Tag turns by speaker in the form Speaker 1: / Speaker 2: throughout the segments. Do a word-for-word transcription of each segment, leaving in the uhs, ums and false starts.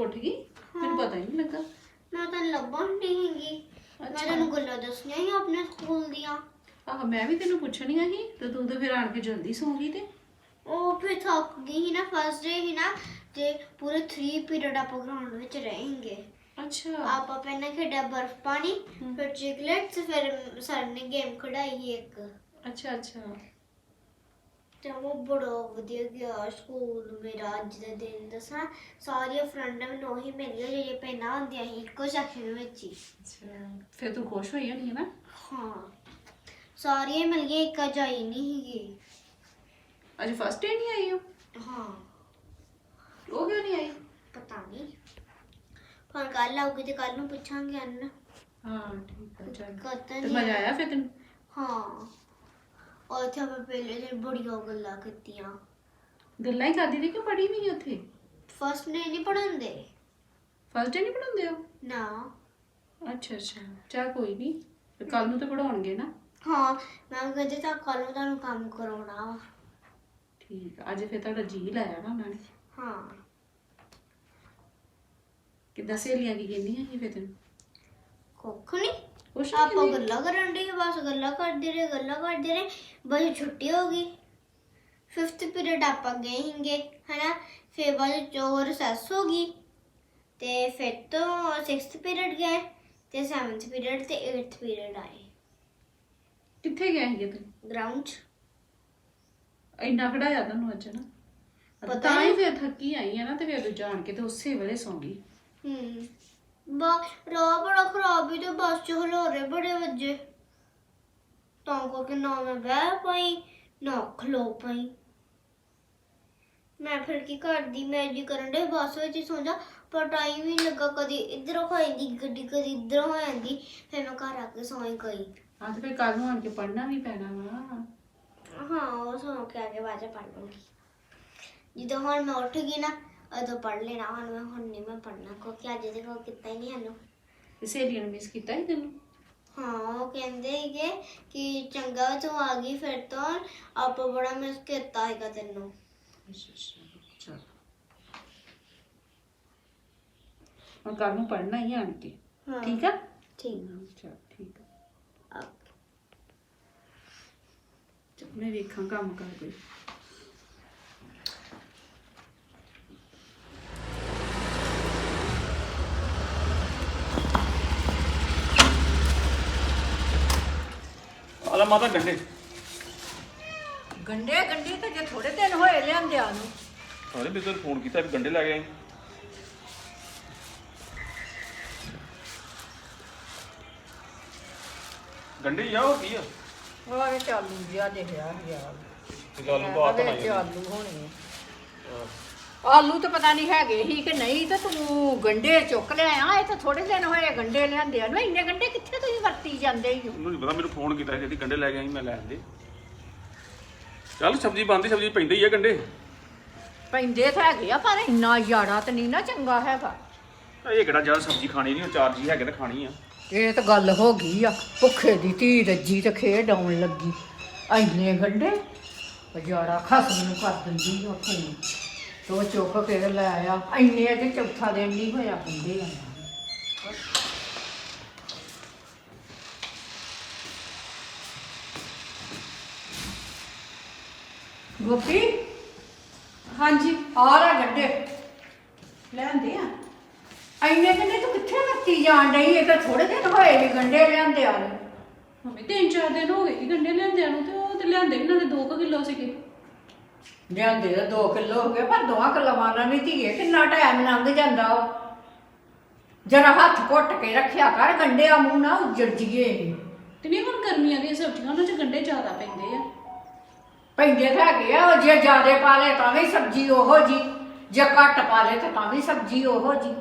Speaker 1: ਉੱਠ ਗਈ ਮੈਨੂੰ ਪਤਾ ਹੀ ਨਹੀਂ ਲੱਗਾ
Speaker 2: ਮੈਂ ਤਾਂ ਲੱਭਣ ਨਹੀਂ ਹੈਗੀ ਮੈਂ ਤੈਨੂੰ ਗੱਲਾਂ ਦੱਸਣੀਆਂ ਹੀ ਆਪਣੇ ਸਕੂਲ ਦੀਆਂ
Speaker 1: ਆਹ ਮੈਂ ਵੀ ਤੈਨੂੰ ਪੁੱਛਣੀਆਂ ਸੀ ਤੇ ਤੂੰ ਤਾਂ ਫਿਰ ਆਣ ਕੇ ਜਲਦੀ ਸੌਂ ਗਈ ਤੇ
Speaker 2: ਉਹ ਫਿਰ ਥੱਕ ਗਈ ਸੀ ਨਾ ਫਸਟ ਡੇ ਸੀ ਨਾ ਤੇ ਪੂਰੇ तीन ਪੀਰੀਅਡ ਆਪਾਂ ਗਰਾਊਂਡ ਵਿੱਚ रहेंगे
Speaker 1: ਅੱਛਾ
Speaker 2: ਆਪਾਂ ਪਹਿਲਾਂ ਖੇਡਿਆ ਬਰਫ ਪਾਣੀ ਫਿਰ ਚਿਕਲੇਟਸ ਫਿਰ ਸਰ ਨੇ ਗੇਮ ਖੜਾਈ ਇੱਕ
Speaker 1: ਅੱਛਾ ਅੱਛਾ
Speaker 2: ਤੇ ਉਹ ਬੜਾ ਵਧੀਆ ਗਿਆ ਸਕੂਲ ਮੇਰਾ ਅੱਜ ਦਾ ਦਿਨ ਦੱਸਾਂ ਸਾਰੀਆਂ ਫਰੈਂਡਾਂ ਮੈਨੂੰ ਉਹੀ ਮਿਲੀਆਂ ਜਿਹੜੀਆਂ ਪਹਿਲਾਂ ਹੁੰਦੀਆਂ ਸੀ ਇੱਕੋ ਸੈਕਸ਼ਨ ਵਿੱਚ ਹੀ
Speaker 1: ਅੱਛਾ ਫਿਰ ਤੂੰ ਖੁਸ਼ ਹੋਈ ਹੋਣੀ ਹੈ ਨਾ
Speaker 2: ਹਾਂ ਸਾਰੀਆਂ ਮਿਲ ਗਈਆਂ ਇੱਕ ਅਜ ਆਈ ਨਹੀਂ ਹੈਗੀ
Speaker 1: ਅੱਜ ਫਸਟ ਡੇ ਨਹੀਂ ਆਈ ਉਹ
Speaker 2: ਹਾਂ
Speaker 1: ਉਹ ਕਿਉਂ ਨਹੀਂ ਆਈ
Speaker 2: ਪਤਾ ਨਹੀਂ ਪਰ ਕੱਲ ਆਉਗੀ ਤੇ ਕੱਲ ਨੂੰ ਪੁੱਛਾਂਗੇ ਅੰਨ
Speaker 1: ਹਾਂ ਠੀਕ ਹੈ ਚੱਲ
Speaker 2: ਕਦੋਂ
Speaker 1: ਤੇ ਮਜ਼ਾ ਆਇਆ ਫਿਰ ਤੈਨੂੰ
Speaker 2: ਹਾਂ और थे मैं पहले दिन बड़िया गल्ला कीतियां
Speaker 1: ਗੱਲਾਂ ਹੀ ਕਰਦੀ ਰਹੀ ਕਿ ਪੜ੍ਹੀ ਵੀ ਨਹੀਂ ਉੱਥੇ
Speaker 2: फर्स्ट ने नहीं पढ़ांदे
Speaker 1: ਫਸਟ ਡੇ ਨਹੀਂ ਪੜਾਉਂਦੇ ਹੋ
Speaker 2: ना
Speaker 1: ਅੱਛਾ ਅੱਛਾ ਚੱਲ ਕੋਈ ਨਹੀਂ ਕੱਲ ਨੂੰ ਤਾਂ ਪੜਾਉਣਗੇ ਨਾ
Speaker 2: हाँ मैम कहते था कल ਨੂੰ ਤੁਹਾਨੂੰ ਕੰਮ ਕਰਾਉਣਾ ਵਾ
Speaker 1: ਠੀਕ ਆ, ਅੱਜ ਫਿਰ ਤੁਹਾਡਾ ਜੀ ਲਾਇਆ ਨਾ ਉਹਨਾਂ ਨੇ
Speaker 2: ਹਾਂ
Speaker 1: ਕਿੱਦਾਂ ਸਹੇਲੀਆਂ ਕੀ ਕਹਿੰਦੀਆਂ ਸੀ ਫਿਰ ਤੈਨੂੰ
Speaker 2: ਕੁੱਖ ਨਹੀਂ
Speaker 1: ਕੁਛ
Speaker 2: ਆਪਾਂ ਗੱਲਾਂ ਕਰਨ ਦੇ ਬਸ ਗੱਲਾਂ ਕਰਦੇ ਰਹੇ ਗੱਲਾਂ ਕਰਦੇ ਰਹੇ ਬਸ ਛੁੱਟੀ ਹੋ ਗਈ ਫਿਫਥ ਪੀਰੀਅਡ ਆਪਾਂ ਗਏ ਹੀਗੇ ਹਨਾ ਫਿਰ ਬਾਅਦ ਚੋਂ ਰਿਸੈਸ ਹੋ ਗਈ ਤੇ ਫਿਰ ਤੋਂ ਸਿਕਸਥ ਪੀਰੀਅਡ ਗਏ ਤੇ ਸੈਵਨਥ ਪੀਰੀਅਡ ਤੇ ਏਟਥ ਪੀਰੀਅਡ ਆਏ
Speaker 1: ਕਿੱਥੇ ਗਏ ਸੀਗੇ ਤੂੰ
Speaker 2: ਗਰਾਊਂਡ 'ਚ
Speaker 1: ਇੰਨਾ ਖੜਾਇਆ ਤੁਹਾਨੂੰ ਅੱਜ ਨਾ
Speaker 2: ਪਤਾ
Speaker 1: ਤਾਂ ਹੀ ਫਿਰ ਥੱਕੀ ਆਈ ਆ ਨਾ ਤੇ ਫਿਰ ਜਾਣ ਕੇ ਤੇ ਉਸੇ ਵੇਲੇ ਸੌਂ ਗਈ
Speaker 2: ਹੂੰ ਬਾ ਰਾਹ ਬੜਾ ਖਰਾਬ ਹੀ ਤੇ ਬੱਸ 'ਚ ਹਲੋਰੇ ਬੜੇ ਵੱਜੇ ਤਾਂ ਕਰਕੇ ਨਾ ਮੈਂ ਬਹਿ ਪਾਈ ਨਾ ਖਲੋ ਪਾਈ ਮੈਂ ਫਿਰ ਕੀ ਕਰਦੀ ਮੈਂ ਜੀ ਕਰਨ ਦੇ ਬੱਸ ਵਿੱਚ ਹੀ ਸੌਂ ਜਾ ਪਰ ਟਾਈਮ ਹੀ ਲੱਗਾ ਕਦੀ ਇੱਧਰੋਂ ਹੋ ਜਾਂਦੀ ਗੱਡੀ ਕਦੀ ਇੱਧਰੋਂ ਹੋ ਜਾਂਦੀ ਫਿਰ ਮੈਂ ਘਰ ਆ ਕੇ ਸੌਂ ਹੀ ਗਈ
Speaker 1: ਹਾਂ ਤੇ ਫਿਰ ਕੱਲ ਨੂੰ ਆਣ ਕੇ ਪੜ੍ਹਨਾ ਵੀ ਪੈਣਾ ਵਾ
Speaker 2: ਹਾਂ ਉਹ ਸੌਂ ਕੇ ਆ ਕੇ ਬਾਅਦ 'ਚ ਪੜ੍ਹ ਲੂੰਗੀ ਜਦੋਂ ਹੁਣ ਮੈਂ ਉੱਠ ਗਈ ਨਾ ਉਦੋਂ ਪੜ੍ਹ ਲੈਣਾ ਹੁਣ ਮੈਂ ਹੁਣ ਨਹੀਂ ਮੈਂ ਪੜ੍ਹਨਾ ਕਿਉਂਕਿ ਅੱਜ ਦੇ ਕੋਲ ਕੀਤਾ ਹੀ ਨਹੀਂ ਸਾਨੂੰ
Speaker 1: ਤੇ ਸਹੇਲੀਆਂ ਨੇ ਮਿਸ ਕੀਤਾ ਹੀ ਤੈਨੂੰ
Speaker 2: ਹਾਂ ਉਹ ਕਹਿੰਦੇ ਸੀਗੇ ਕਿ ਚੰਗਾ ਤੂੰ ਆ ਗਈ ਫਿਰ ਤੋਂ ਆਪਾਂ ਬੜਾ ਮਿਸ ਕੀਤਾ ਹੈਗਾ ਤੈਨੂੰ
Speaker 1: ਅੱਛਾ ਅੱਛਾ ਚਲ ਹੁਣ ਕੱਲ ਨੂੰ ਪੜ੍ਹਨਾ ਹੀ ਆਣ ਕੇ
Speaker 2: ਹਾਂ
Speaker 1: ਠੀਕ ਆ
Speaker 2: ਠੀਕ
Speaker 1: ਚਲ ਠੀਕ ਆ
Speaker 2: ਆ
Speaker 1: ਚੱਲ ਮੈਂ ਵੇਖਾਂ ਕੰਮ ਕਰ ਕੋਈ
Speaker 3: ਆਲਾ ਮਾਤਾ ਗੰਡੇ
Speaker 4: ਗੰਡੇ ਗੰਡੇ ਤਾਂ ਜੇ ਥੋੜੇ ਦਿਨ ਹੋਏ ਲਿਆਂਦਿਆਂ ਨੂੰ
Speaker 3: ਸਾਰੇ ਵੀ ਤੁਹਾਨੂੰ ਫੋਨ ਕੀਤਾ ਵੀ ਗੰਡੇ ਲੈ ਕੇ ਆਈ ਗੰਡੇ ਹੀ ਆ ਹੋਰ ਕੀ ਆ
Speaker 4: ਉਹ ਵਿੱਚ ਆਲੂ ਜਿਹਾ ਦੇਖਿਆ ਯਾਰ
Speaker 3: ਤੇ ਗੱਲ ਨੂੰ ਬਾਤ
Speaker 4: ਵਿੱਚ
Speaker 3: ਨਾ
Speaker 4: ਆਲੂ ਹੋਣੇ ਆ। ਆਲੂ ਤਾਂ ਪਤਾ ਨਹੀਂ ਹੈਗੇ ਹੀ ਕਿ ਨਹੀਂ ਤੇ ਤੂੰ ਗੰਡੇ ਚੁੱਕ ਲਿਆ ਇਹ ਤਾਂ ਥੋੜੇ ਦਿਨ ਹੋਏ ਗੰਡੇ ਲਿਆਂਦਿਆਂ ਨੂੰ ਇੰਨੇ ਗੰਡੇ ਕਿੱਥੇ ਤੁਸੀਂ ਵਰਤੀ ਜਾਂਦੇ ਹੀ ਹੋ
Speaker 3: ਉਹਨੂੰ ਨਹੀਂ ਪਤਾ ਮੈਨੂੰ ਫੋਨ ਕੀਤਾ ਸੀ ਜਿਹੜੀ ਗੰਡੇ ਲੈ ਕੇ ਆਈ ਮੈਂ ਲੈ ਆਂਦੇ ਚੱਲ ਸਬਜ਼ੀ ਬਣਦੀ ਸਬਜ਼ੀ ਪੈਂਦੀ ਹੀ ਆ ਗੰਡੇ
Speaker 4: ਪੈਂਦੇ ਤਾਂ ਹੈਗੇ ਆ ਪਰ ਇੰਨਾ ਯਾੜਾ ਤਾਂ ਨਹੀਂ ਨਾ ਚੰਗਾ ਹੈਗਾ
Speaker 3: ਇਹ ਕਿਹੜਾ ਜ਼ਿਆਦਾ ਸਬਜ਼ੀ ਖਾਣੀ ਨਹੀਂ ਚਾਰ ਜੀ ਹੈਗੇ ਤਾਂ ਖਾਣੀ ਆ
Speaker 4: ਇਹ ਤਾਂ ਗੱਲ ਹੋ ਗਈ ਆ ਭੁੱਖੇ ਦੀ ਧੀ ਰੱਜੀ ਤੇ ਖੇਡ ਆਉਣ ਲੱਗੀ ਇੰਨੇ ਗੰਡੇ ਯਾੜਾ ਖਸਮ ਨੂੰ ਕਰ ਦਿੰਦੀ ਆ ਫੋਨ ਤੋ ਚੁੱਕ ਕੇ ਲੈ ਆਇਆ ਇੰਨੇ ਤੇ ਚੌਥਾ ਦਿਨ ਨਹੀਂ ਹੋਇਆ ਹੁੰਦੇ ਆ ਗੋਪੀ
Speaker 1: ਹਾਂਜੀ
Speaker 4: ਆ ਲੈ ਗੰਡੇ ਲੈਂਦੇ ਆ ਇੰਨੇ ਗੰਡੇ ਤੂੰ ਕਿੱਥੇ ਵਰਤੀ ਜਾਣ ਡਈ ਇਹ ਤਾਂ ਥੋੜੇ ਦਿਨ ਹੋਏ ਨੇ ਗੰਡੇ ਲਿਆਂਦੇ ਆ ਨੂੰ
Speaker 1: ਮੰਮੀ ਤਿੰਨ ਚਾਰ ਦਿਨ ਹੋ ਗਏ ਸੀ ਗੰਡੇ ਲਿਆਂਦਿਆਂ ਨੂੰ ਤੇ ਉਹ ਤੇ ਲਿਆਂਦੇ ਵੀ ਨਾਲੇ ਦੋ ਕਿਲੋ ਸੀਗੇ
Speaker 4: ਲਿਆਂਦੇ ਤਾਂ ਦੋ ਕਿਲੋ ਹੋ ਗਏ ਪਰ ਦੋਵਾਂ ਕਿਲੋਆਂ ਨਾਲ ਨਹੀਂ ਧੀਏ ਕਿੰਨਾ ਟਾਈਮ ਲੰਘ ਜਾਂਦਾ ਜਰਾ ਹੱਥ ਘੁੱਟ ਕੇ ਰੱਖਿਆ ਕਰ ਗੰਡਿਆਂ ਮੂੰਹ ਨਾ ਉੱਜੜ ਜੀਏ
Speaker 1: ਤੇ ਨਹੀਂ ਹੁਣ ਗਰਮੀਆਂ ਦੀਆਂ ਸਬਜ਼ੀਆਂ ਉਹਨਾਂ 'ਚ ਗੰਡੇ ਜ਼ਿਆਦਾ ਪੈਂਦੇ ਆ
Speaker 4: ਪੈਂਦੇ ਤਾਂ ਹੈਗੇ ਆ ਜੇ ਜ਼ਿਆਦੇ ਪਾ ਲਏ ਤਾਂ ਵੀ ਸਬਜ਼ੀ ਉਹੋ ਜੀ ਜੇ ਘੱਟ ਪਾ ਲਏ ਤਾਂ ਤਾਂ ਵੀ ਸਬਜ਼ੀ ਉਹੋ ਜੀ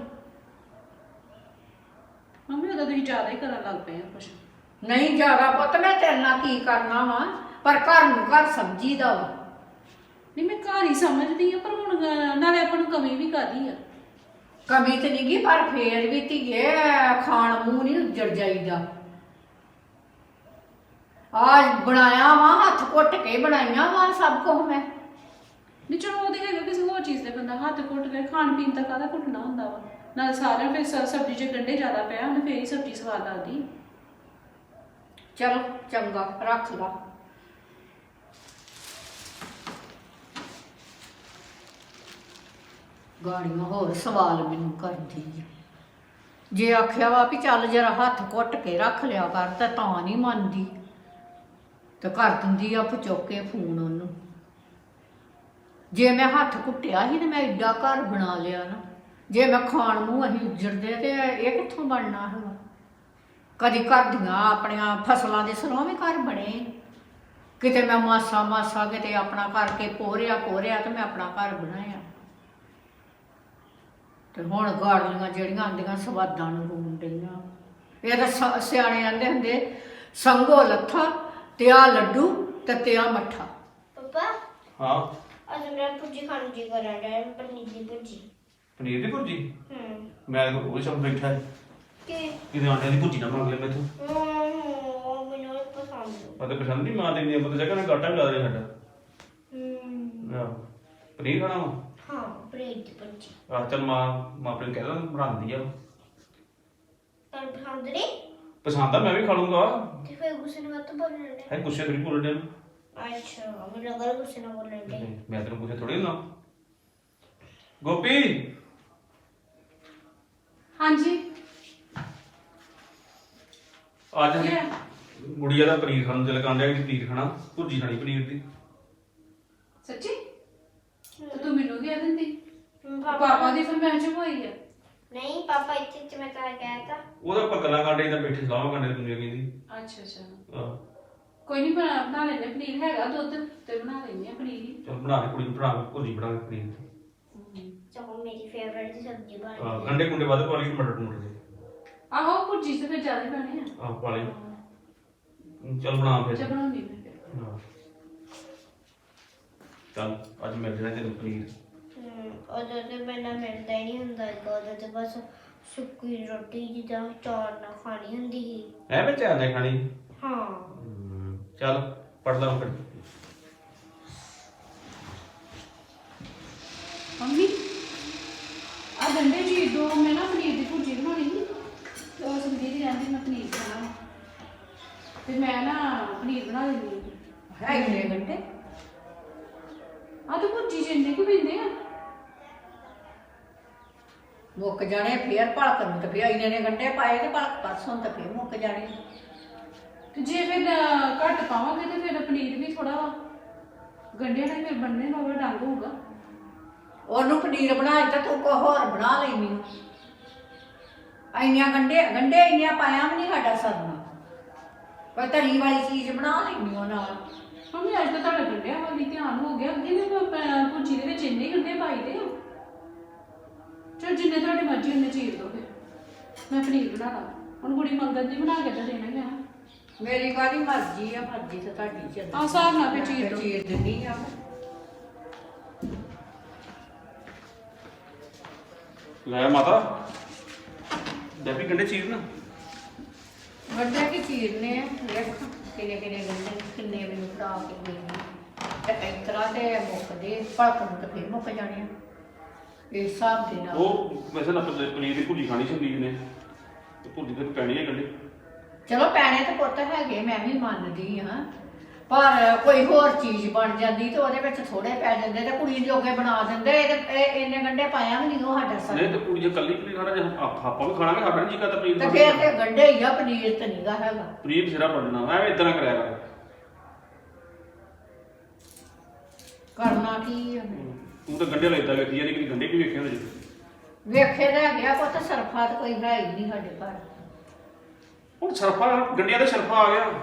Speaker 1: ਮੰਮੀ ਉਹਦਾ ਤੁਸੀਂ ਜ਼ਿਆਦਾ ਹੀ ਕਰਨ ਲੱਗ ਪਏ ਆ ਕੁਛ
Speaker 4: ਨਹੀਂ ਜ਼ਿਆਦਾ ਪੁੱਤ ਮੈਂ ਤੇਰੇ ਨਾਲ ਕੀ ਕਰਨਾ ਵਾ ਪਰ ਘਰ ਨੂੰ ਘਰ ਸਬਜ਼ੀ ਦਾ ਵਾ
Speaker 1: ਨਹੀਂ ਮੈਂ ਘਰ ਹੀ ਸਮਝਦੀ ਆ ਪਰ ਹੁਣ ਗ- ਨਾਲੇ ਆਪਾਂ ਨੂੰ ਕਮੀ ਵੀ ਕਾਹਦੀ ਆ
Speaker 4: ਕਮੀ ਤੇ ਨਹੀਂ ਗਈ ਪਰ ਫੇਰ ਵੀ ਧੀਏ ਖਾਣ ਮੂੰਹ ਨਹੀਂ ਉੱਜੜ ਜਾਈਦਾ ਆਜ ਬਣਾਇਆ ਵਾ ਹੱਥ ਘੁੱਟ ਕੇ ਬਣਾਈਆਂ ਵਾ ਸਭ ਕੁਝ ਮੈਂ
Speaker 1: ਨਹੀਂ ਚਲੋ ਉਹਦੇ ਹੈਗਾ ਕਿਸੇ ਹੋਰ ਚੀਜ਼ ਦੇ ਬੰਦਾ ਹੱਥ ਘੁੱਟ ਕੇ ਖਾਣ ਪੀਣ ਦਾ ਕਾਹਦਾ ਘੁੱਟਣਾ ਹੁੰਦਾ ਵਾ ਨਾਲ ਸਾਰਿਆਂ ਫਿਰ ਸ- ਸਬਜ਼ੀ 'ਚ ਗੰਢੇ ਜ਼ਿਆਦਾ ਪਿਆ ਉਹਨੇ ਫੇਰ ਹੀ ਸਬਜ਼ੀ ਸਵਾਦ ਲੱਗਦੀ।
Speaker 4: ਚਲੋ ਚੰਗਾ ਰੱਖ ਲਾ। ਗਾੜੀਆਂ ਹੋਰ ਸਵਾਲ ਮੈਨੂੰ ਕਰਦੀ ਆ। ਜੇ ਆਖਿਆ ਵਾ ਵੀ ਚੱਲ ਜਰਾ ਹੱਥ ਘੁੱਟ ਕੇ ਰੱਖ ਲਿਆ ਕਰ ਤਾਂ ਤਾਂ ਨਹੀਂ ਮੰਨਦੀ ਤੇ ਕਰ ਦਿੰਦੀ ਆ ਚੁੱਕ ਕੇ ਫੋਨ ਉਹਨੂੰ। ਜੇ ਮੈਂ ਹੱਥ ਘੁੱਟਿਆ ਸੀ ਤੇ ਮੈਂ ਏਡਾ ਘਰ ਬਣਾ ਲਿਆ ਨਾ, ਜੇ ਮੈਂ ਖਾਣ ਨੂੰ ਅਸੀਂ ਉੱਜੜਦੇ ਤੇ ਇਹ ਕਿੱਥੋਂ ਬਣਨਾ ਹੈਗਾ। ਕਦੀ ਘਰ ਦੀਆਂ ਆਪਣੀਆਂ ਫਸਲਾਂ ਦੇ ਸਰੋਂ ਵੀ ਘਰ ਬਣੇ, ਕਿਤੇ ਮੈਂ ਮਾਸਾ ਮਾਸਾ ਕਿਤੇ ਆਪਣਾ ਕਰਕੇ ਪੋਰਿਆ ਪੋਰਿਆ ਤੇ ਮੈਂ ਆਪਣਾ ਘਰ ਬਣਾਇਆ। ਤੇ ਹੁਣ ਗਾੜੀਆਂ ਜਿਹੜੀਆਂ ਆਂਦੀਆਂ ਸਵਾਦਾਂ ਨੂੰ ਰੂਣ ਡਈਆਂ। ਇਹ ਤਾਂ ਸ- ਸਿਆਣੇ ਆਂਦੇ ਹੁੰਦੇ ਸੰਗੋ ਲੱਥਾ ਤੇ ਆ ਲੱਡੂ ਤੇ ਤੇ ਆ ਮੱਠਾ।
Speaker 2: ਪਾਪਾ
Speaker 3: ਹਾਂ
Speaker 2: ਅੱਜ ਮੇਰਾ ਭੁੱਜੀ ਖਾਣ ਨੂੰ ਜੀ ਕਰਨ ਡਿਆ ਪਨੀਰ ਦੀ ਭੁੱਜੀ।
Speaker 3: ਪਨੀਰ ਦੀ ਭੁਰਜੀ?
Speaker 2: ਹੂੰ
Speaker 3: ਮੈਂ ਤਾਂ ਉਹ ਸ਼ਬਦ ਬੈਠਾ ਹੈ
Speaker 2: ਕਿ
Speaker 3: ਕਿਤੇ ਆਂਡਿਆਂ ਦੀ ਭੁਰਜੀ ਨਾ ਮੰਗ ਲੈ ਮੈਥੋਂ।
Speaker 2: ਹੂੰ ਮੈਨੂੰ ਇਹ ਪਸੰਦ
Speaker 3: ਮੈਂ ਤਾਂ ਪਸੰਦ ਨਹੀਂ ਮਾਂ ਦੇਣੀ ਆਪਾਂ ਤਾਂ ਜਗ੍ਹਾ ਨਾਲ ਗਾਟਾ ਵੀ ਲਾ ਦੇ ਸਾਡਾ।
Speaker 2: ਹੂੰ
Speaker 3: ਆਹ ਪਨੀਰ ਖਾਣਾ ਵਾ?
Speaker 2: ਹਾਂ ਪਨੀਰ ਦੀ ਭੁੱਜੀ
Speaker 3: ਆਹ ਚੱਲ ਮਾਂ ਮਾਂ ਆਪਣੇ ਕਹਿ ਦਾਂ ਬਣਾਉਂਦੀ ਆ।
Speaker 2: ਤੁਹਾਨੂੰ ਪਸੰਦ ਨਹੀਂ?
Speaker 3: ਪਸੰਦ ਆ, ਮੈਂ ਵੀ ਖਾ ਲੂੰਗਾ।
Speaker 2: ਤੇ ਫਿਰ ਗੁੱਸੇ ਨਾਲ ਮਤ ਬੋਲਣ ਦੇ।
Speaker 3: ਹੈ ਗੁੱਸੇ ਥੋੜੀ ਬੋਲਣ ਦੇ
Speaker 2: ਅੱਛਾ ਮੈਨੂੰ ਲੱਗਾ ਗੁੱਸੇ ਨਾਲ ਬੋਲਣ ਦੇ।
Speaker 3: ਮੈਂ ਤੈਨੂੰ ਗੁੱਸੇ ਥੋੜੀ ਨਾ। ਗੋਪੀ
Speaker 1: ਹਾਂਜੀ
Speaker 3: ਅੱਜ
Speaker 1: ਕੀ ਹੈ?
Speaker 3: ਗੁੜੀਆ ਦਾ ਪਨੀਰ ਖਾਣ ਨੂੰ ਦਿਲ ਕਰਨ ਡਿਆ ਕਿ ਪਨੀਰ ਖਾਣਾ, ਭੁਰਜੀ ਖਾਣੀ ਪਨੀਰ ਦੀ।
Speaker 1: ਸੱਚੀ? ਤੇ ਤੂੰ ਮੈਨੂੰ ਕਹਿ ਦਿੰਦੀ।
Speaker 2: ਹਮ,
Speaker 1: ਪਾਪਾ ਦੀ ਫਰਮਾਇਸ਼ ਹੋਈ ਆ।
Speaker 2: ਨਹੀਂ ਪਾਪਾ ਇੱਥੇ ਤੇ ਮੈਂ ਤਾਂ ਕਹਿਆ ਤਾਂ
Speaker 3: ਉਹਦਾ ਆਪਾਂ ਗੱਲਾਂ ਕਾਂਡੇ ਤਾਂ ਬੈਠੇ ਸਲਾਹਾਂ ਕਾਂਡੇ ਪਨੀਰ ਕਹਿੰਦੀ।
Speaker 1: ਅੱਛਾ ਅੱਛਾ
Speaker 3: ਆਹ
Speaker 1: ਕੋਈ ਨਹੀਂ ਬਣਾ ਬਣਾ ਲੈਂਦੇ ਪਨੀਰ ਹੈਗਾ ਦੁੱਧ ਤੇ ਬਣਾ ਲੈਂਦੇ ਆ ਪਨੀਰ ਹੀ।
Speaker 3: ਚੱਲ ਬਣਾ ਕੇ ਕੁੜੀ ਨੂੰ ਬਣਾ ਕੇ ਭੁਰਜੀ ਬਣਾ ਕੇ ਪਨੀਰ ਦੀ।
Speaker 2: ਚਲੋ ਮੇਰੀ ਫੇਵਰਿਟ ਦੀ ਸਬਜ਼ੀ ਬਣ
Speaker 3: ਆਹ
Speaker 2: ਗਈ।
Speaker 3: ਗੰਡੇ ਗੁੰਡੇ ਵੱਧ ਪਾ ਲਈ ਮਟਰ ਟਮਾਟਰ ਦੇ।
Speaker 1: ਆਹੋ ਭੁਰਜੀ ਤੇ ਫਿਰ ਜ਼ਿਆਦਾ ਬਣੇ ਆ।
Speaker 3: ਆਹ ਪਾ ਲਈ। ਚੱਲ ਬਣਾ ਫਿਰ।
Speaker 1: ਅੱਛਾ ਬਣਾਉਂਦੀ ਮੈਂ ਫਿਰ।
Speaker 3: ਹਾਂ। ਚੱਲ ਅੱਜ ਮਿਲ ਜਾਣਾ ਤੈਨੂੰ ਪਨੀਰ।
Speaker 2: ਹਮ, ਉਦੋਂ ਤੇ ਮੈਨੂੰ ਮਿਲਦਾ ਹੀ ਨਹੀਂ ਹੁੰਦਾ ਸੀਗਾ, ਉਦੋਂ ਤੇ ਬਸ ਸੁੱਕੀ ਰੋਟੀ ਜਿੱਦਾਂ ਚੌਲ ਨਾਲ ਖਾਣੀ ਹੁੰਦੀ ਸੀ।
Speaker 3: ਐ ਮੈਂ ਚਾਹ ਨਹੀਂ ਖਾਣੀ।
Speaker 2: ਹਾਂ
Speaker 3: ਹਮ, ਚੱਲ ਪੜ ਲਾ ਫਿਰ।
Speaker 1: ਮੰਮੀ ਆ ਗੰਡੇ ਜੀ ਦੋ ਮੈਂ ਨਾ ਪਨੀਰ ਦੀ ਭੁਰਜੀ ਬਣਾਉਣੀ ਸੀ ਤੇ ਉਹ ਸੰਦੀਪ ਦੀ ਕਹਿੰਦੀ ਮੈਂ ਪਨੀਰ ਖਾਣਾ ਤੇ ਮੈਂ ਨਾ ਪਨੀਰ ਬਣਾ ਲੈਂਦੀ
Speaker 4: ਹੈ ਇੰਨੇ ਘੰਟੇ
Speaker 1: ਆ ਤੇ ਭੁਰਜੀ ਜਿੰਨੇ ਕਿ ਪੈਂਦੇ ਆ।
Speaker 4: ਮੁੱਕ ਜਾਣੇ ਫੇਰ ਭਲਕ ਨੂੰ ਤੇ ਫੇਰ ਇੰਨੇ ਨੇ ਗੰਢੇ ਪਾਏ ਤੇ ਭਲਕ ਪਰਸੋਂ ਤੇ ਫੇਰ ਮੁੱਕ ਜਾਣੇ।
Speaker 1: ਤੇ ਜੇ ਫਿਰ ਅਹ, ਘੱਟ ਪਾਵਾਂਗੇ ਤੇ ਫਿਰ ਪਨੀਰ ਵੀ ਥੋੜਾ ਗੰਢਿਆਂ ਨਾਲ ਫਿਰ ਬੰਨੇ ਨਾਲ ਡੰਗ ਹੋਊਗਾ।
Speaker 4: ਉਹਨੂੰ ਪਨੀਰ ਬਣਾ ਦਿੱਤਾ ਤੂੰ ਕੋ ਹੋਰ ਬਣਾ ਲੈਣੀ। ਇੰਨੀਆਂ ਗੰਢੇ ਗੰਢੇ ਇੰਨੀਆਂ ਪਾਇਆ ਵੀ ਨਹੀਂ ਸਾਡਾ ਸਰਨਾ। ਕੋਈ ਤਲੀ ਵਾਲੀ ਚੀਜ਼ ਬਣਾ ਲੈਣੀ ਉਹ ਨਾਲ।
Speaker 1: ਮੰਮੀ ਅੱਜ ਤਾਂ ਤੁਹਾਡਾ ਗੰਢਿਆਂ ਵੱਲ ਹੀ ਧਿਆਨ ਹੋ ਗਿਆ। ਅੱਗੇ ਵੀ ਮੈਂ ਭੁਰਜੀ ਦੇ ਵਿੱਚ ਇੰਨੇ ਗੰਢੇ ਪਾਈਦੇ ਆ। ਚਲ ਜਿੰਨੇ ਤੁਹਾਡੇ ਮਰਜ਼ੀ ਉਹਨੇ ਚੀਰ ਦੋ ਫਿਰ ਮੈਂ ਪਨੀਰ ਬਣਾ ਲਾ। ਹੁਣ ਕੁੜੀ ਮੰਗਣ ਦੀ ਬਣਾ ਕੇ ਤਾਂ ਦੇਣਾ ਹੀ ਆ।
Speaker 4: ਮੇਰੀ ਕਾਹਦੀ ਮਰਜ਼ੀ ਆ, ਮਰਜ਼ੀ ਤੇ ਤੁਹਾਡੀ ਚੱਲਦੀ।
Speaker 1: ਆਹ ਹਿਸਾਬ ਨਾਲ ਫਿਰ ਚੀਰ ਦਿਓ।
Speaker 4: ਚੀਰ ਦਿੰਦੀ ਆ।
Speaker 3: ਲੈ ਮਾਤਾ ਡੱਬੀ ਗੰਡੇ ਚੀਰ ਨਾ।
Speaker 4: ਗੰਢੇ ਕੀ ਚੀਰਨੇ ਆ, ਵੇਖ ਕਿੰਨੇ ਕਿੰਨੇ ਗੰਢੇ ਕਿੰਨੇ ਮੈਨੂੰ ਫੜਾ ਕੇ ਗਈ ਤੇ ਇਸ ਤਰ੍ਹਾਂ ਤੇ ਮੁੱਕਦੇ ਭਲਕ ਨੂੰ ਤੇ ਫੇਰ ਮੁੱਕ ਜਾਣੇ ਆ ਇਸ ਹਿਸਾਬ ਦੇ ਨਾਲ।
Speaker 3: ਉਹ ਵੈਸੇ ਨਾ ਪਨੀਰ ਪਨੀਰ ਦੀ ਭੁਰਜੀ ਖਾਣੀ ਸੀ ਨੇ ਤੇ ਭੁਰਜੀ ਤੇ ਪੈਣੀ ਹੈ ਗੰਡੇ।
Speaker 4: ਚਲੋ ਪੈਣੇ ਤਾਂ ਪੁੱਤ ਹੈਗੇ, ਮੈਂ ਵੀ ਮੰਨਦੀ ਹਾਂ, ਪਰ ਕੋਈ ਹੋਰ ਚੀਜ਼ ਬਣ ਜਾਂਦੀ ਤੇ ਉਹਦੇ ਵਿੱਚ ਥੋੜੇ ਪੈ ਜਾਂਦੇ ਤੇ ਕੁੜੀ ਜੋਗੇ ਬਣਾ ਦਿੰਦੇ। ਇਹ ਇਹ ਇੰਨੇ ਗੰਢੇ ਪਾਇਆ ਵੀ ਨਹੀਂ ਉਹ ਸਾਡਾ ਸਰ।
Speaker 3: ਨਹੀਂ ਤੇ ਕੁੜੀ ਜੇ ਕੱਲੀ ਪਨੀਰ ਖਾਣਾ ਜੇ ਆਪ- ਆਪਾਂ ਵੀ ਖਾਣਾਗੇ ਸਾਡਾ ਨਹੀਂ ਜੀ ਕਰਦਾ ਪਨੀਰ
Speaker 4: ਤੇ
Speaker 3: ਖਾਣ
Speaker 4: ਫੇਰ
Speaker 3: ਨੂੰ।
Speaker 4: ਤੇ ਗੰਢੇ ਹੀ ਆ, ਪਨੀਰ ਤੇ ਨਹੀਂਗਾ ਹੈਗਾ।
Speaker 3: ਪਨੀਰ ਸਿਰਾ ਪੜਨਾ ਐਵੇਂ ਇਦਾਂ ਕਰਿਆ ਕਰ।
Speaker 4: ਕਰਨਾ ਕੀ ਆ?
Speaker 3: ਤੂੰ ਤਾਂ ਗੰਡੇ ਲੈਦਾ ਵੇਖੀ ਜਾਂਦੀ ਕਿ ਗੰਡੇ ਵੀ ਵੇਖੇ ਹੁੰਦੇ ਜੀ।
Speaker 4: ਵੇਖੇ ਤਾਂ ਹੈਗੇ ਆ ਪੁੱਤ, ਸਰਫਾ ਤਾਂ ਕੋਈ ਹੈ ਹੀ ਨਹੀਂ ਸਾਡੇ ਘਰ।
Speaker 3: ਹੁਣ ਸਰਫਾ ਗੰਡਿਆਂ ਦਾ ਸਰਫਾ ਆ ਗਿਆ।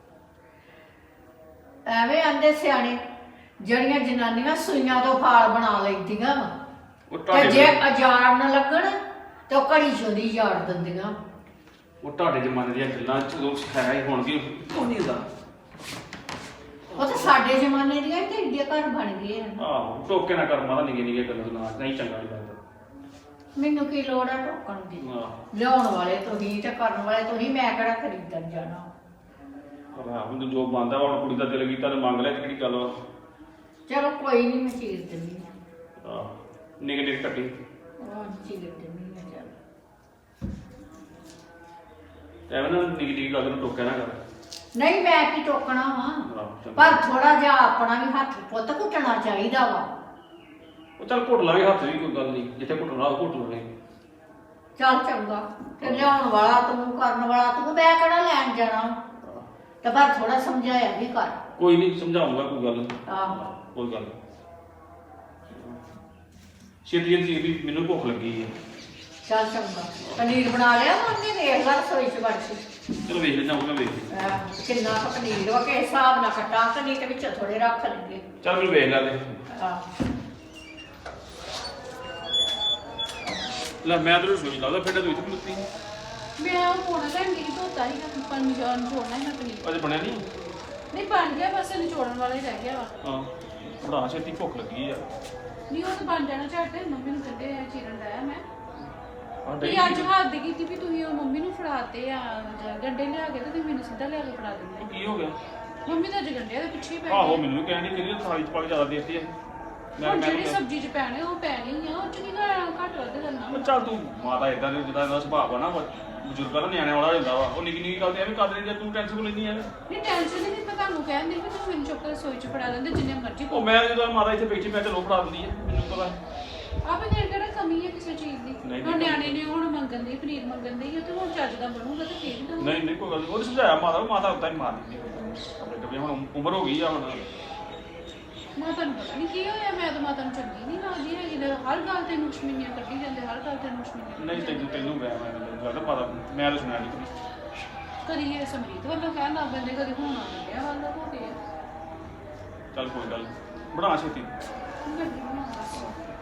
Speaker 4: ਐਵੇਂ ਆਂਦੇ ਸਿਆਣੇ ਜਿਹੜੀਆਂ ਜਨਾਨੀਆਂ ਸੂਈਆਂ ਤੋਂ ਫਾਲ ਬਣਾ ਲੈਂਦੀਆਂ ਵਾ
Speaker 3: ਉਹ
Speaker 4: ਤੇ
Speaker 3: ਤੁਹਾਡੇ
Speaker 4: ਜੇ ਅਜਾਰ ਨਾ ਲੱਗਣ ਤੇ ਉਹ ਘੜੀ ਚੋਦੀ ਝਾੜ ਦਿੰਦੀਆਂ।
Speaker 3: ਉਹ ਤੁਹਾਡੇ ਜ਼ਮਾਨੇ ਦੀਆਂ ਗੱਲਾਂ ਚਲੋ ਹੈ ਹੀ ਹੁਣ ਵੀ ਉਹ ਨਹੀਂ ਹੁੰਦਾ।
Speaker 4: ਉਹ ਤਾਂ ਸਾਡੇ ਜ਼ਮਾਨੇ ਦੀਆਂ ਤੇ ਏਡੇ ਘਰ ਬਣ ਗਏ ਆ।
Speaker 3: ਆਹੋ ਟੋਕੇ ਨਾ ਕਰ ਮਾਤਾ ਨਿੱਕੇ ਨਿੱਕੇ ਗੱਲਾਂ ਨਾ ਨਹੀਂ ਚੰਗਾ ਨਹੀਂ ਲੱਗਦਾ।
Speaker 4: ਮੈਨੂੰ ਕੀ ਲੋੜ ਆ ਟੋਕਣ ਦੀ?
Speaker 3: ਆਹ
Speaker 4: ਲਿਆਉਣ ਵਾਲੇ ਤੁਸੀਂ ਤੇ ਕਰਨ ਵਾਲੇ ਤੁਸੀਂ, ਮੈਂ ਕਿਹੜਾ ਖਰੀਦਣ ਜਾਣਾ।
Speaker 3: ਆਹ ਹੁਣ ਜੋ ਬੰਦਾ ਹੁਣ ਕੁੜੀ ਦਾ ਦਿਲ ਕੀਤਾ ਤੇ ਮੰਗ ਲਿਆ ਤੇ ਕਿਹੜੀ ਗੱਲ ਵਾ।
Speaker 4: ਚਲੋ ਕੋਈ ਨਹੀਂ, ਮੈਂ ਚੀਰ ਦਿੰਦੀ ਹਾਂ।
Speaker 3: ਆਹ ਨਿੱਕੇ ਨਿੱਕੇ ਕੱਟੀ
Speaker 4: ਉਹ ਚੀਰ ਦਿੰਦੀ ਆ ਚੱਲ।
Speaker 3: ਐਵੇਂ ਨਾ ਨਿੱਕੀ ਨਿੱਕੀ ਗੱਲ ਨੂੰ ਟੋਕਿਆ ਨਾ ਕਰ।
Speaker 4: ਨਹੀਂ ਮੈਂ ਕੀ ਟੋਕਣਾ ਵਾ,
Speaker 3: ਆਹੋ, ਚੰਗਾ।
Speaker 4: ਪਰ ਥੋੜਾ ਜਿਹਾ ਆਪਣਾ ਵੀ ਹੱਥ ਪੁੱਤ ਘੁੱਟਣਾ ਚਾਹੀਦਾ ਵਾ।
Speaker 3: ਉਹ ਚੱਲ ਘੁੱਟ ਲਾਂਗੇ ਹੱਥ ਵੀ, ਕੋਈ ਗੱਲ ਨਹੀਂ, ਜਿੱਥੇ ਘੁੱਟਣਾ ਉਹ ਘੁੱਟ ਲਾਂਗੇ।
Speaker 4: ਚੱਲ ਚੰਗਾ, ਤੇ ਲਿਆਉਣ ਵਾਲਾ ਤੂੰ, ਕਰਨ ਵਾਲਾ ਤੂੰ, ਮੈਂ ਕਿਹੜਾ ਲੈਣ ਜਾਣਾ, ਤੇ ਪਰ ਥੋੜਾ ਸਮਝਾਇਆ ਵੀ ਕਰ।
Speaker 3: ਕੋਈ ਨਹੀਂ ਸਮਝਾਉਂਗਾ, ਕੋਈ ਗੱਲ ਨਹੀਂ,
Speaker 4: ਆਹੋ
Speaker 3: ਕੋਈ ਗੱਲ ਨਹੀਂ। ਛੇਤੀ ਛੇਤੀ ਵੀ ਮੈਨੂੰ ਭੁੱਖ ਲੱਗੀ ਹੈ।
Speaker 4: ਚੱਲ ਚੰਗਾ, ਪਨੀਰ ਬਣਾ ਲਿਆ ਮੰਮੀ ਨੇ, ਦੇਖ ਲੈ ਰਸੋਈ ਚ ਵੜ ਕੇ।
Speaker 3: ਚਲੋ ਵੇਖ ਲੈਣਾ, ਉਹ ਵੇਖ ਲਈ।
Speaker 4: ਆਹ, ਕਿੰਨਾ ਕੁ ਪਨੀਰ ਵਾ, ਕਿਸ ਹਿਸਾਬ ਨਾਲ ਕੱਟਾਂ ਕਿ ਨਹੀਂ, ਤੇ ਵਿੱਚ ਥੋੜੇ ਰੱਖ ਲੈਂਦੇ।
Speaker 3: ਚੱਲ ਮੈਨੂੰ ਵੇਖ ਲੈ ਦੇ।
Speaker 4: ਆਹ
Speaker 3: ਲੈ ਮੈਂ ਤੈਨੂੰ ਸੋਚ ਲਾਉਂਦਾ, ਫਿਰ ਤੂੰ ਇੱਥੇ ਖਲੋਤੀ।
Speaker 1: ਮੈਂ ਉਹ ਪੌਣਾ ਘੰਟੇ ਹੀ ਧੋਤਾ ਸੀ ਨਾ, ਪਰ ਨਿਚੋੜਨਾ ਹੀ ਮੈਂ ਪਨੀਰ।
Speaker 3: ਅਜੇ ਬਣਿਆ ਨਹੀਂ?
Speaker 1: ਨਹੀਂ ਬਣ ਗਿਆ, ਬਸ ਨਿਚੋੜਨ ਵਾਲਾ ਹੀ ਰਹਿ ਗਿਆ ਵਾ।
Speaker 3: ਹਾਂ ਬੜਾ ਛੇਤੀ ਭੁੱਖ ਲੱਗੀ ਆ।
Speaker 1: ਨਹੀਂ ਉਹ ਤਾਂ ਬਣ ਜਾਣਾ ਝੱਟ, ਮੰਮੀ ਨੂੰ ਕਹਿੰਦੇ ਆ ਚੀਰਨ ਲਾਇਆ ਮੈਂ।
Speaker 3: ਹਾਂ
Speaker 1: ਵੀ
Speaker 3: ਡਈ
Speaker 1: ਅੱਜ ਹੱਥ ਦੀ ਕੀਤੀ ਵੀ ਤੁਸੀਂ ਉਹ ਮੰਮੀ ਨੂੰ ਫੜਾਤੇ ਆ ਗੰਡੇ ਲਿਆ ਕੇ, ਤੇ ਤੁਸੀਂ ਮੈਨੂੰ ਸਿੱਧਾ ਲਿਆ ਕੇ ਫੜਾ ਦਿੰਦੇ।
Speaker 3: ਕੀ ਹੋ ਗਿਆ?
Speaker 1: ਮੰਮੀ ਤਾਂ ਅੱਜ ਗੰਡਿਆਂ ਦੇ ਪਿੱਛੇ ਹੀ ਪੈ
Speaker 3: ਆਹੋ
Speaker 1: ਗਈ।
Speaker 3: ਮੈਨੂੰ ਵੀ ਕਹਿਣੀ ਕਿ ਥਾਲੀ ਚ ਪਾ ਕੇ ਜ਼ਿਆਦਾ ਦੇਤੀ ਹੈ। ਮੈਂ
Speaker 1: ਹੁਣ
Speaker 3: ਮੈਂ
Speaker 1: ਜਿਹੜੀ ਸਬਜ਼ੀ ਚ ਪੈਣੇ ਉਹ ਪੈ ਗਈ ਆ, ਉਹ ਚ ਕੀ ਘੱਟ ਵੱਧ ਕਰਨਾ।
Speaker 3: ਚੱਲ ਤੂੰ ਮਾਤਾ ਇਦਾਂ ਦੇ ਜਿੱਦਾਂ ਦਾ ਸੁਭਾਅ ਆ ਨਾ, ਬਜ਼ੁਰਗਾਂ ਦਾ ਨਿਆਣਿਆਂ ਵਾਲਾ ਹੁੰਦਾ ਵਾ, ਉਹ ਨਿੱਕੀ ਨਿੱਕੀ ਗੱਲ ਤੇ ਐਵੇਂ ਕਰ ਲੈਂਦੀ ਆ, ਤੂੰ ਟੈਨਸ਼ਨ ਲੈਂਦੀ ਆ।
Speaker 1: ਨਹੀਂ ਟੈਨਸ਼ਨ ਨਹੀਂ, ਮੈਂ ਤੁਹਾਨੂੰ ਕਹਿੰਦੀ ਵੀ ਤੁਸੀਂ ਮੈਨੂੰ ਚੁੱਕ ਕੇ ਰਸੋਈ ਚ ਫੜਾ ਦਿੰਦੇ ਜਿੰਨੇ ਮਰਜ਼ੀ।
Speaker 3: ਉਹ ਮੈਂ ਜਦੋਂ ਮਾਤਾ ਇੱਥੇ ਬੈਠੀ, ਮੈਂ ਚਲੋ ਫੜਾ ਦਿੰਦੀ ਹੈ, ਮੈਨੂੰ ਪਤਾ।
Speaker 1: ਆਪੇ ਦੇਰ ਕਿਹੜਾ ਕਮੀ ਹੈ ਕਿਸੇ ਚੀਜ਼ ਦੀ।
Speaker 3: ਨਹੀਂ,
Speaker 1: ਹੁਣ ਨਿਆਣੇ ਨੇ ਹੁਣ ਮੰਗਣ ਦੀ ਪਨੀਰ ਮੰਗਣ ਦੀ, ਤੇ ਹੁਣ ਚੱਜ ਦਾ ਬਣੂਗਾ ਤੇ ਫੇਰ ਹੀ ਦਊਗਾ।
Speaker 3: ਨਹੀਂ ਨਹੀਂ ਕੋਈ ਗੱਲ ਨਹੀਂ, ਉਹਨੇ ਸਮਝਾਇਆ ਮਾਤਾ ਨੂੰ, ਮਾਤਾ ਉਦਾਂ ਹੀ ਮਾਰ ਦਿੰਦੀ ਆਪਣੇ ਕਦੇ। ਹੁਣ ਉਮਰ ਹੋ ਗਈ ਆ ਹੁਣ।
Speaker 1: ਮਾਤਾ ਨੂੰ ਪਤਾ ਨਹੀਂ ਕੀ ਹੋਇਆ, ਮੈਂ ਤਾਂ ਮਾਤਾ ਨੂੰ ਚੰਗੀ ਨਹੀਂ ਲੱਗਦੀ ਹੈਗੀ, ਤੇ ਹਰ ਗੱਲ ਤੇ ਨੁਕਸ਼ਮੀਨੀਆਂ ਕੱਢੀ ਜਾਂਦੇ, ਹਰ ਗੱਲ ਤੇ ਨੁਕਸ਼ਮੀਨੀਆਂ
Speaker 3: ਨਹੀਂ ਤੈਨੂੰ ਤੈਨੂੰ ਗਿਆ ਮੈਂ ਲੱਗਦਾ ਮਾਤਾ, ਮੈਂ ਤਾਂ ਸੁਣਿਆ ਨਹੀਂ।
Speaker 1: ਕਦੀ ਇਹ ਸਮਰੀਤ ਵੱਲੋਂ ਕਹਿਣ ਲੱਗ ਪੈਂਦੇ, ਕਦੀ ਹੁਣ ਆ ਗਿਆ ਵੱਲੋਂ ਹੋ ਗਿਆ।
Speaker 3: ਚੱਲ ਕੋਈ ਗੱਲ ਨੀ, ਬਣਾ ਛੇਤੀ।
Speaker 1: ਲੱਗੀ ਹੋਈ ਆ ਬਸ।